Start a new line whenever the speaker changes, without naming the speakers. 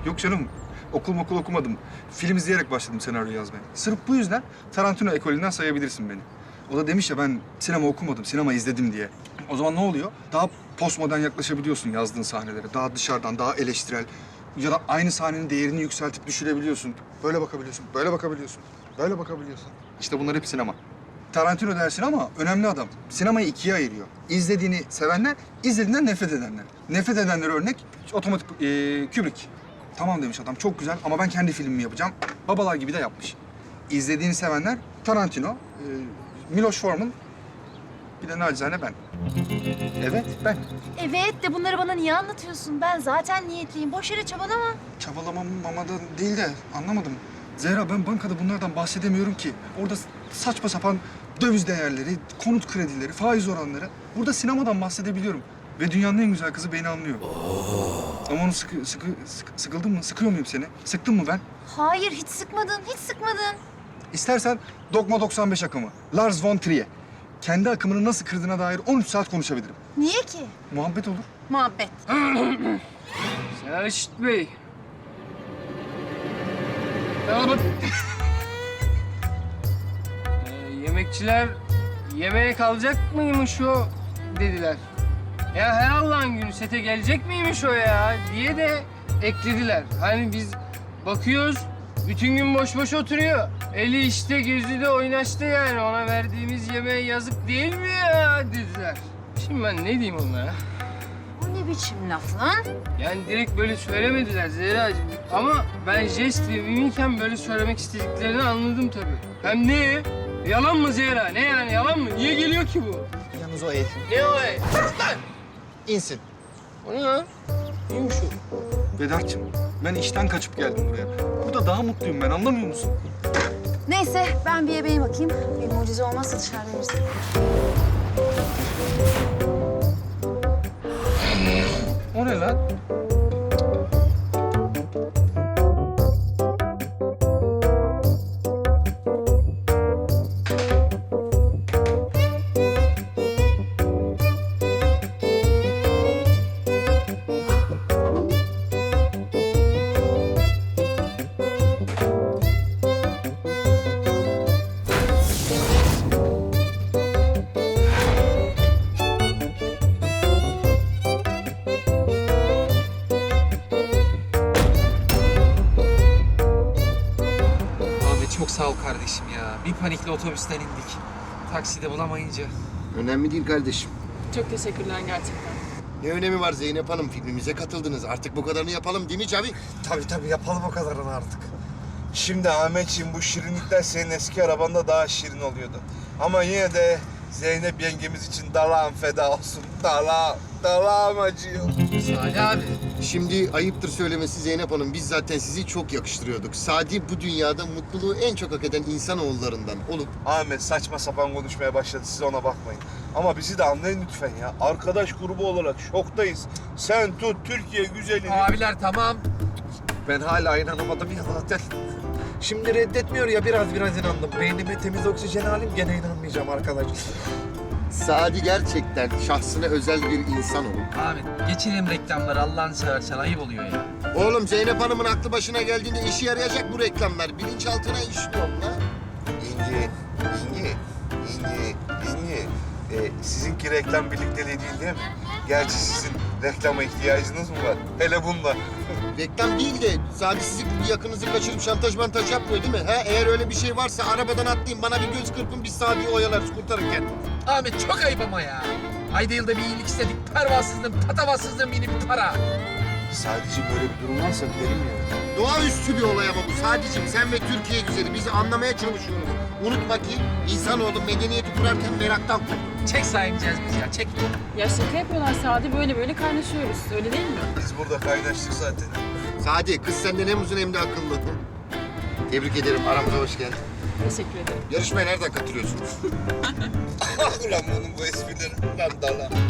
Yok canım. Okul okumadım. Film izleyerek başladım senaryo yazmaya. Sırf bu yüzden Tarantino ekolünden sayabilirsin beni. O da demiş ya ben sinema okumadım, sinema izledim diye. O zaman ne oluyor? Daha postmodern yaklaşabiliyorsun yazdığın sahnelere. Daha dışarıdan, daha eleştirel. Ya da aynı sahnenin değerini yükseltip düşürebiliyorsun. Böyle bakabiliyorsun, böyle bakabiliyorsun, böyle bakabiliyorsun. İşte bunlar hep sinema. Tarantino dersin ama önemli adam. Sinemayı ikiye ayırıyor. İzlediğini sevenler, izlediğinden nefret edenler. Nefret edenlere örnek otomatik Kubrick. Tamam demiş adam, çok güzel ama ben kendi filmimi yapacağım. Babalar gibi de yapmış. İzlediğini sevenler Tarantino, Miloš Forman, bir de nacizane ben. Evet, ben.
Evet de bunları bana niye anlatıyorsun? Ben zaten niyetliyim. Boş yere çabalama.
Çabalamam mamadan değil de anlamadım. Zehra ben bankada bunlardan bahsedemiyorum ki. Orada saçma sapan döviz değerleri, konut kredileri, faiz oranları. Burada sinemadan bahsedebiliyorum. Ve dünyanın en güzel kızı beni anlıyor. Ama onu sıkıldın mı? Sıkıyor muyum seni? Sıktın mı ben?
Hayır, hiç sıkmadın, hiç sıkmadın.
İstersen Dogma 95 akımı, Lars von Trier. Kendi akımını nasıl kırdığına dair 13 saat konuşabilirim.
Niye ki?
Muhabbet olur.
Muhabbet.
Selçuk Bey. Tamam. Yemekçiler yemeğe kalacak mıymış o dediler. Ya her Allah'ın günü sete gelecek miymiş o ya diye de eklediler. Hani biz bakıyoruz bütün gün boş boş oturuyor. Eli işte gözü de oynaştı yani ona verdiğimiz yemeğe yazık değil mi ya dediler. Şimdi ben ne diyeyim onlara?
O ne biçim laf lan?
Yani direkt böyle söylemediler Zehra'cığım. Ama ben jest ve mimiken böyle söylemek istediklerini anladım tabii. Hem ne? Yalan mı Zehra? Ne yani yalan mı? Niye geliyor ki bu?
Yalnız o el.
Ne o ey?
İnsin.
O ne lan? Neymiş o?
Vedat'cığım ben işten kaçıp geldim buraya. Burada daha mutluyum ben, anlamıyor musun?
Neyse, ben bir yemeğe bakayım. Bir mucize olmazsa dışarıda yersin.
O ne lan?
Abi çok sağ ol kardeşim ya. Bir panikle otobüsten indik. Takside bulamayınca.
Önemli değil kardeşim.
Çok teşekkürler gerçekten.
Ne önemi var Zeynep Hanım? Filmimize katıldınız. Artık bu kadarını yapalım değil mi Cavi?
Tabii yapalım o kadarını artık. Şimdi Ahmetciğim bu şirinlikler senin eski arabanda daha şirin oluyordu. Ama yine de Zeynep yengemiz için dalağım feda olsun. Dalağım acıyor.
Salih abi.
Şimdi ayıptır söylemesi Zeynep Hanım. Biz zaten sizi çok yakıştırıyorduk. Sadi bu dünyada mutluluğu en çok hak eden insanoğullarından olup...
Ahmet saçma sapan konuşmaya başladı, siz ona bakmayın. Ama bizi de anlayın lütfen ya. Arkadaş grubu olarak şoktayız. Sen tut Türkiye güzelini.
Abiler tamam. Ben hala inanamadım ya zaten. Şimdi reddetmiyor ya biraz inandım. Beynime temiz oksijen alayım gene inanmayacağım arkadaş.
Sadi gerçekten şahsına özel bir insan olup...
Abi geçelim reklamları Allah'ını seversen ayıp oluyor ya.
Oğlum Zeynep Hanım'ın aklı başına geldiğinde işe yarayacak bu reklamlar. Bilinçaltına işliyor lan.
Yenge. Sizinki reklam birlikteliği değil mi? Gerçi sizin reklama ihtiyacınız mı var? Hele bunda.
Reklam değil de Sadi sizi bir yakınızı kaçırıp şantaj mantaj yapmıyor değil mi? Ha? Eğer öyle bir şey varsa arabadan atlayın bana bir göz kırpın biz Sadi'yi oyalarız kurtarırken.
Ahmet çok ayıp ama ya. Ayda yılda bir iyilik istedik. Pervasızlığın, patavatsızlığın yeni bir para.
Sadece böyle bir durum varsa derim ya.
Doğaüstü bir olay ama bu. Sadece sen ve Türkiye güzeli bizi anlamaya çalışıyoruz. Unutma ki insanoğlu medeniyeti kurarken meraktan kurdu.
Çek sahipeceğiz biz ya çek.
Ya şaka yapıyorlar Sadi, böyle kaynaşıyoruz. Öyle değil mi?
Biz burada kaynaştık zaten.
Sadi kız senden hem uzun hem de akıllı. Tebrik ederim. Aramıza hoş geldin.
Teşekkür ederim.
Yarışmaya nereden katılıyorsunuz?
Ulan bunun bu esprileri. Lan dala.